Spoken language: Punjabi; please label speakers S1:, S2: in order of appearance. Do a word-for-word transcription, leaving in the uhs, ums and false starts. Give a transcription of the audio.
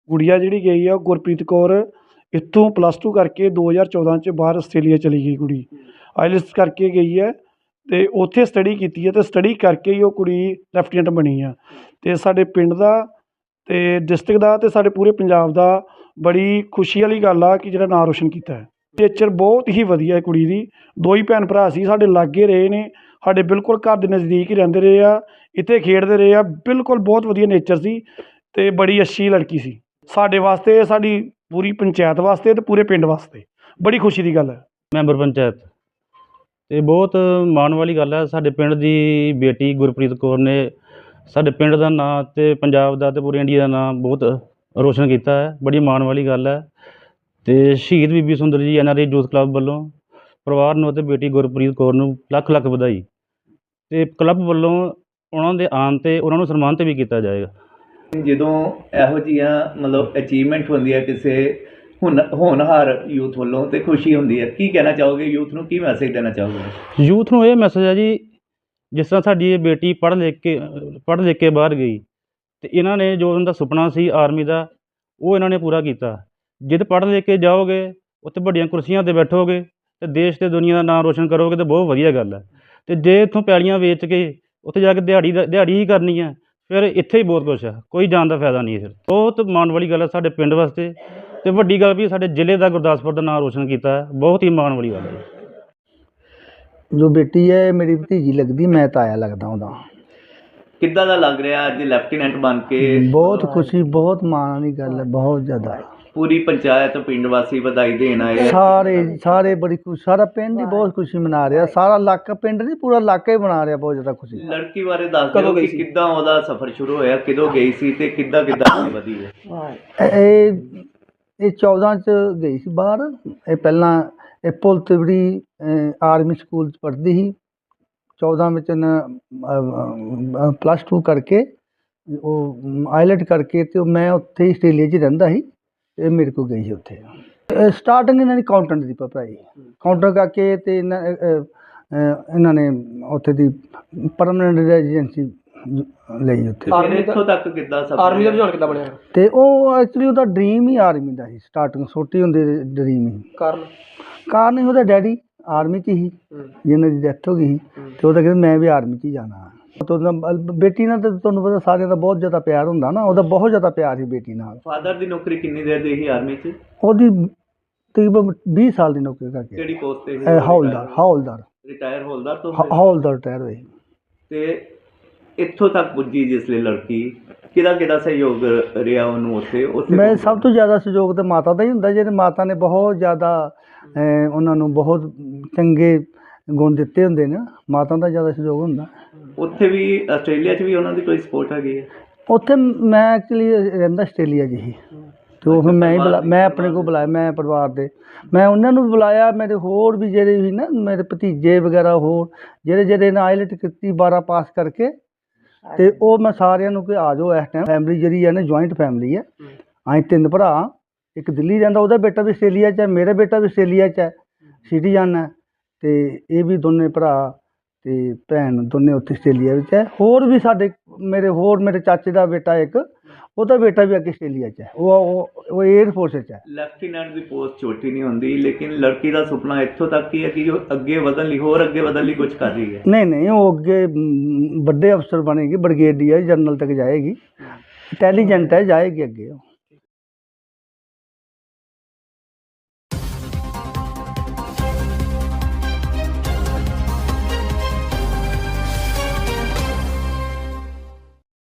S1: ਗੁੜੀਆ ਜਿਹੜੀ ਗਈ ਆ ਉਹ ਗੁਰਪ੍ਰੀਤ ਕੌਰ ਇੱਥੋਂ ਪਲੱਸ ਟੂ ਕਰਕੇ ਦੋ ਹਜ਼ਾਰ ਚੌਦਾਂ 'ਚ ਬਾਹਰ ਆਸਟ੍ਰੇਲੀਆ ਚਲੀ ਗਈ ਕੁੜੀ। ਆਈਲੈਟਸ ਕਰਕੇ ਗਈ ਹੈ ਅਤੇ ਉੱਥੇ ਸਟੱਡੀ ਕੀਤੀ ਹੈ ਅਤੇ ਸਟੱਡੀ ਕਰਕੇ ਹੀ ਉਹ ਕੁੜੀ ਲੈਫਟੀਨੈਂਟ ਬਣੀ ਆ। ਅਤੇ ਸਾਡੇ ਪਿੰਡ ਦਾ ਅਤੇ ਡਿਸਟ੍ਰਿਕਟ ਦਾ ਅਤੇ ਸਾਡੇ ਪੂਰੇ ਪੰਜਾਬ ਦਾ ਬੜੀ ਖੁਸ਼ੀ ਵਾਲੀ ਗੱਲ ਆ ਕਿ ਜਿਹੜਾ ਨਾਂ ਰੋਸ਼ਨ ਕੀਤਾ ਹੈ। ਨੇਚਰ ਬਹੁਤ ਹੀ ਵਧੀਆ ਹੈ ਕੁੜੀ ਦੀ। ਦੋ ਹੀ ਭੈਣ ਭਰਾ ਸੀ, ਸਾਡੇ ਲਾਗੇ ਰਹੇ ਨੇ, ਸਾਡੇ ਬਿਲਕੁਲ ਘਰ ਦੇ ਨਜ਼ਦੀਕ ਹੀ ਰਹਿੰਦੇ ਰਹੇ ਆ, ਇੱਥੇ ਖੇਡਦੇ ਰਹੇ ਆ। ਬਿਲਕੁਲ ਬਹੁਤ ਵਧੀਆ ਨੇਚਰ ਸੀ ਅਤੇ ਬੜੀ ਅੱਛੀ ਲੜਕੀ ਸੀ। ਸਾਡੇ ਵਾਸਤੇ, ਸਾਡੀ ਪੂਰੀ ਪੰਚਾਇਤ ਵਾਸਤੇ ਅਤੇ ਪੂਰੇ ਪਿੰਡ ਵਾਸਤੇ ਬੜੀ ਖੁਸ਼ੀ ਦੀ ਗੱਲ ਹੈ।
S2: ਮੈਂਬਰ ਪੰਚਾਇਤ ਅਤੇ ਬਹੁਤ ਮਾਣ ਵਾਲੀ ਗੱਲ ਹੈ। ਸਾਡੇ ਪਿੰਡ ਦੀ ਬੇਟੀ ਗੁਰਪ੍ਰੀਤ ਕੌਰ ਨੇ ਸਾਡੇ ਪਿੰਡ ਦਾ ਨਾਂ ਅਤੇ ਪੰਜਾਬ ਦਾ ਅਤੇ ਪੂਰੇ ਇੰਡੀਆ ਦਾ ਨਾਂ ਬਹੁਤ ਰੋਸ਼ਨ ਕੀਤਾ ਹੈ। ਬੜੀ ਮਾਣ ਵਾਲੀ ਗੱਲ ਹੈ। ਅਤੇ ਸ਼ਹੀਦ Bibi Sundar ji N R I youth club ਵੱਲੋਂ ਪਰਿਵਾਰ ਨੂੰ ਅਤੇ ਬੇਟੀ ਗੁਰਪ੍ਰੀਤ ਕੌਰ ਨੂੰ ਲੱਖ ਲੱਖ ਵਧਾਈ। ਅਤੇ ਕਲੱਬ ਵੱਲੋਂ ਉਹਨਾਂ ਦੇ ਆਉਣ 'ਤੇ ਉਹਨਾਂ ਨੂੰ ਸਨਮਾਨਿਤ ਵੀ ਕੀਤਾ ਜਾਏਗਾ।
S3: ਜਦੋਂ ਇਹੋ ਜਿਹੀਆਂ ਮਤਲਬ ਅਚੀਵਮੈਂਟ ਹੁੰਦੀ ਹੈ ਕਿਸੇ ਹੁਨ ਹੋਣਹਾਰ ਯੂਥ ਵੱਲੋਂ ਅਤੇ ਖੁਸ਼ੀ ਹੁੰਦੀ ਹੈ। ਕੀ ਕਹਿਣਾ ਚਾਹੋਗੇ ਯੂਥ ਨੂੰ, ਕੀ ਮੈਸੇਜ ਦੇਣਾ ਚਾਹੋਗੇ?
S2: ਯੂਥ ਨੂੰ ਇਹ ਮੈਸੇਜ ਹੈ ਜੀ, ਜਿਸ ਤਰ੍ਹਾਂ ਸਾਡੀ ਇਹ ਬੇਟੀ ਪੜ੍ਹ ਲਿਖ ਕੇ ਪੜ੍ਹ ਲਿਖ ਕੇ ਬਾਹਰ ਗਈ ਅਤੇ ਇਹਨਾਂ ਨੇ ਜੋ ਉਹਨਾਂ ਦਾ ਸੁਪਨਾ ਸੀ ਆਰਮੀ ਦਾ, ਉਹ ਇਹਨਾਂ ਨੇ ਪੂਰਾ ਕੀਤਾ। ਜਦ ਪੜ੍ਹ ਲਿਖ ਕੇ ਜਾਓਗੇ, ਉੱਥੇ ਵੱਡੀਆਂ ਕੁਰਸੀਆਂ 'ਤੇ ਬੈਠੋਗੇ ਅਤੇ ਦੇਸ਼ ਅਤੇ ਦੁਨੀਆ ਦਾ ਨਾਂ ਰੋਸ਼ਨ ਕਰੋਗੇ ਤਾਂ ਬਹੁਤ ਵਧੀਆ ਗੱਲ ਹੈ। ਅਤੇ ਜੇ ਇੱਥੋਂ ਪੈਲੀਆਂ ਵੇਚ ਕੇ ਉੱਥੇ ਜਾ ਕੇ ਦਿਹਾੜੀ ਦਾ ਦਿਹਾੜੀ ਹੀ ਕਰਨੀ ਹੈ, ਫਿਰ ਇੱਥੇ ਹੀ ਬਹੁਤ ਕੁਛ ਹੈ, ਕੋਈ ਜਾਣ ਦਾ ਫਾਇਦਾ ਨਹੀਂ ਹੈ। ਫਿਰ ਬਹੁਤ ਮਾਣ ਵਾਲੀ ਗੱਲ ਹੈ ਸਾਡੇ ਪਿੰਡ ਵਾਸਤੇ, ਅਤੇ ਵੱਡੀ ਗੱਲ ਵੀ ਸਾਡੇ ਜ਼ਿਲ੍ਹੇ ਦਾ ਗੁਰਦਾਸਪੁਰ ਦਾ ਨਾਂ ਰੋਸ਼ਨ ਕੀਤਾ ਹੈ। ਬਹੁਤ ਹੀ ਮਾਣ ਵਾਲੀ ਗੱਲ ਹੈ।
S4: ਜੋ ਬੇਟੀ ਹੈ ਮੇਰੀ ਭਤੀਜੀ ਲੱਗਦੀ, ਮੈਂ ਤਾਇਆ ਲੱਗਦਾ ਉਹਦਾ।
S3: ਕਿੱਦਾਂ ਦਾ ਲੱਗ ਰਿਹਾ ਅੱਜ ਲੈਫਟੀਨੈਂਟ ਬਣ ਕੇ?
S4: ਬਹੁਤ ਖੁਸ਼ੀ, ਬਹੁਤ ਮਾਣ ਵਾਲੀ ਗੱਲ ਹੈ, ਬਹੁਤ ਜ਼ਿਆਦਾ।
S3: ਪੂਰੀ ਪੰਚਾਇਤ ਪਿੰਡ ਵਾਸੀ ਵਧਾਈ ਦੇਣ ਆਏ,
S4: ਸਾਰੇ ਸਾਰੇ ਬੜੀ ਖੁਸ਼ੀ, ਸਾਰਾ ਪਿੰਡ ਹੀ ਬਹੁਤ ਖੁਸ਼ੀ ਮਨਾ ਰਿਹਾ। ਸਾਰਾ ਇਲਾਕਾ, ਪਿੰਡ ਨਹੀਂ ਪੂਰਾ ਇਲਾਕਾ ਹੀ ਮਨਾ ਰਿਹਾ ਬਹੁਤ ਜ਼ਿਆਦਾ ਖੁਸ਼ੀ।
S3: ਲੜਕੀ ਬਾਰੇ ਦੱਸ ਦਿਓ ਕਿ ਕਿੱਦਾਂ ਉਹਦਾ ਸਫ਼ਰ ਸ਼ੁਰੂ ਹੋਇਆ, ਕਿਦੋਂ ਗਈ ਸੀ ਅਤੇ ਕਿੱਦਾਂ ਕਿੱਦਾਂ ਅੱਗੇ ਵਧੀ ਹੈ?
S4: ਇਹ ਇਹ ਚੌਦਾਂ 'ਚ ਗਈ ਸੀ ਬਾਹਰ। ਇਹ ਪਹਿਲਾਂ ਇਹ ਪੁਲ ਤਿਵੜੀ ਆਰਮੀ ਸਕੂਲ 'ਚ ਪੜ੍ਹਦੀ ਸੀ। ਚੌਦਾਂ ਵਿੱਚ ਇਹਨੇ ਪਲੱਸ ਟੂ ਕਰਕੇ ਉਹ ਆਈਲੈਟ ਕਰਕੇ ਅਤੇ ਮੈਂ ਉੱਥੇ ਹੀ ਆਸਟ੍ਰੇਲੀਆ 'ਚ ਰਹਿੰਦਾ ਸੀ। ਇਹ ਮੇਰੇ ਕੋਲ ਗਈ ਸੀ ਉੱਥੇ। ਸਟਾਰਟਿੰਗ ਇਹਨਾਂ ਦੀ ਅਕਾਊਂਟੈਂਟ ਦੀ ਪੜ੍ਹਾਈ, ਅਕਾਊਂਟੈਂਟ ਕਰਕੇ ਅਤੇ ਇਹਨਾਂ ਇਹਨਾਂ ਨੇ ਉੱਥੇ ਦੀ ਪਰਮਾਨੈਂਟ ਰੈਜ਼ੀਡੈਂਸੀ ਲਈ ਉੱਥੇ।
S3: ਇੱਥੋਂ ਤੱਕ ਕਿੱਦਾਂ ਸਫ਼ਰ
S5: ਆਰਮੀ ਦਾ ਰੁਝਾਨ ਕਿੱਦਾਂ ਬਣਿਆ?
S4: ਅਤੇ ਉਹ ਐਕਚੁਅਲੀ ਉਹਦਾ ਡਰੀਮ ਹੀ ਆਰਮੀ ਦਾ ਸੀ। ਸਟਾਰਟਿੰਗ ਛੋਟੀ ਹੁੰਦੀ ਡਰੀਮ ਹੀ।
S5: ਕਾਰਨ
S4: ਕਾਰਨ ਹੀ ਉਹਦਾ ਡੈਡੀ ਆਰਮੀ 'ਚ ਹੀ, ਜਿਹਨਾਂ ਦੀ ਡੈਥ ਹੋ ਗਈ ਸੀ, ਅਤੇ ਉਹਦਾ ਕਹਿੰਦਾ ਮੈਂ ਵੀ ਆਰਮੀ 'ਚ ਹੀ ਜਾਣਾ। ਉਹਦਾ ਬੇਟੀ ਨਾਲ ਤਾਂ ਤੁਹਾਨੂੰ ਪਤਾ ਸਾਰਿਆਂ ਦਾ ਬਹੁਤ ਜ਼ਿਆਦਾ ਪਿਆਰ ਹੁੰਦਾ ਨਾ, ਉਹਦਾ ਬਹੁਤ ਜ਼ਿਆਦਾ ਪਿਆਰ ਸੀ ਬੇਟੀ ਨਾਲ।
S3: ਫਾਦਰ ਦੀ ਨੌਕਰੀ ਕਿੰਨੀ ਦੇਰ ਦੀ ਸੀ ਆਰਮੀ 'ਚ?
S4: ਉਹਦੀ ਤਕਰੀਬਨ ਵੀਹ ਸਾਲ ਦੀ ਨੌਕਰੀ ਕਰਕੇ।
S3: ਕਿਹੜੀ ਪੋਸਟ 'ਤੇ?
S4: ਹੌਲਦਾਰ। ਹੌਲਦਾਰ
S3: ਰਿਟਾਇਰ ਹੌਲਦਾਰ ਤੋਂ?
S4: ਹੌਲਦਾਰ ਰਿਟਾਇਰ ਹੋਏ।
S3: ਅਤੇ ਇੱਥੋਂ ਤੱਕ ਪੁੱਜੀ ਜਿਸ ਲਈ ਲੜਕੀ, ਕਿਹਦਾ ਕਿਹਦਾ ਸਹਿਯੋਗ ਰਿਹਾ ਉਹਨੂੰ ਉੱਥੇ? ਉੱਥੇ
S4: ਮੈਂ ਸਭ ਤੋਂ ਜ਼ਿਆਦਾ ਸਹਿਯੋਗ ਤਾਂ ਮਾਤਾ ਦਾ ਹੀ ਹੁੰਦਾ। ਜਿਹਦੇ ਮਾਤਾ ਨੇ ਬਹੁਤ ਜ਼ਿਆਦਾ ਉਹਨਾਂ ਨੂੰ ਬਹੁਤ ਚੰਗੇ ਗੁਣ ਦਿੱਤੇ ਹੁੰਦੇ ਨੇ, ਮਾਤਾ ਦਾ ਜ਼ਿਆਦਾ ਸਹਿਯੋਗ ਹੁੰਦਾ।
S3: ਉੱਥੇ ਵੀ ਆਸਟ੍ਰੇਲੀਆ 'ਚ ਵੀ ਉਹਨਾਂ ਦੀ ਕੋਈ ਸਪੋਰਟ ਹੈਗੀ ਹੈ?
S4: ਉੱਥੇ ਮੈਂ ਐਕਚੁਅਲੀ ਰਹਿੰਦਾ ਆਸਟ੍ਰੇਲੀਆ 'ਚ ਹੀ, ਅਤੇ ਉਹ ਫਿਰ ਮੈਂ ਹੀ ਬੁਲਾ ਮੈਂ ਆਪਣੇ ਕੋਲ ਬੁਲਾਇਆ। ਮੈਂ ਪਰਿਵਾਰ ਦੇ ਮੈਂ ਉਹਨਾਂ ਨੂੰ ਬੁਲਾਇਆ। ਮੇਰੇ ਹੋਰ ਵੀ ਜਿਹੜੇ ਸੀ ਨਾ ਮੇਰੇ ਭਤੀਜੇ ਵਗੈਰਾ, ਹੋਰ ਜਿਹੜੇ ਜਿਹੜੇ ਨੇ ਆਈਲੈਟ ਕੀਤੀ ਬਾਰਾਂ ਪਾਸ ਕਰਕੇ, ਅਤੇ ਉਹ ਮੈਂ ਸਾਰਿਆਂ ਨੂੰ ਕਿ ਆ ਜਾਓ। ਇਸ ਟਾਈਮ ਫੈਮਿਲੀ ਜਿਹੜੀ ਹੈ ਨਾ ਜੁਆਇੰਟ ਫੈਮਿਲੀ ਹੈ। ਅਸੀਂ ਤਿੰਨ ਭਰਾ, ਇੱਕ ਦਿੱਲੀ ਰਹਿੰਦਾ, ਉਹਦਾ ਬੇਟਾ ਵੀ ਆਸਟ੍ਰੇਲੀਆ 'ਚ ਹੈ, ਮੇਰਾ ਬੇਟਾ ਵੀ ਆਸਟ੍ਰੇਲੀਆ 'ਚ ਹੈ, ਸਿਟੀਜ਼ਨ ਹੈ। ਅਤੇ ਇਹ ਵੀ ਦੋਨੇ ਭਰਾ ਅਤੇ ਭੈਣ ਦੋਨੇ ਉੱਥੇ ਆਸਟ੍ਰੇਲੀਆ ਵਿੱਚ ਹੈ। ਹੋਰ ਵੀ ਸਾਡੇ ਮੇਰੇ ਹੋਰ ਮੇਰੇ ਚਾਚੇ ਦਾ ਬੇਟਾ ਇੱਕ, ਉਹਦਾ ਬੇਟਾ ਵੀ ਅੱਗੇ ਆਸਟ੍ਰੇਲੀਆ 'ਚ ਹੈ। ਉਹ ਉਹ ਏਅਰ ਫੋਰਸ 'ਚ ਹੈ।
S3: ਲੈਫਟੀਨੈਂਟ ਦੀ ਪੋਸਟ ਛੋਟੀ ਨਹੀਂ ਹੁੰਦੀ, ਲੇਕਿਨ ਲੜਕੀ ਦਾ ਸੁਪਨਾ ਇੱਥੋਂ ਤੱਕ ਹੀ ਹੈ ਕਿ ਉਹ ਅੱਗੇ ਵਧਣ ਲਈ, ਹੋਰ ਅੱਗੇ ਵਧਣ ਲਈ ਕੁਝ ਕਰ ਰਹੀ ਹੈ।
S4: ਨਹੀਂ ਨਹੀਂ, ਉਹ ਅੱਗੇ ਵੱਡੇ ਅਫਸਰ ਬਣੇਗੀ, ਬ੍ਰਿਗੇਡੀਅਰ ਜਨਰਲ ਤੱਕ ਜਾਏਗੀ। ਇੰਟੈਲੀਜੈਂਟ ਹੈ, ਜਾਏਗੀ ਅੱਗੇ ਉਹ।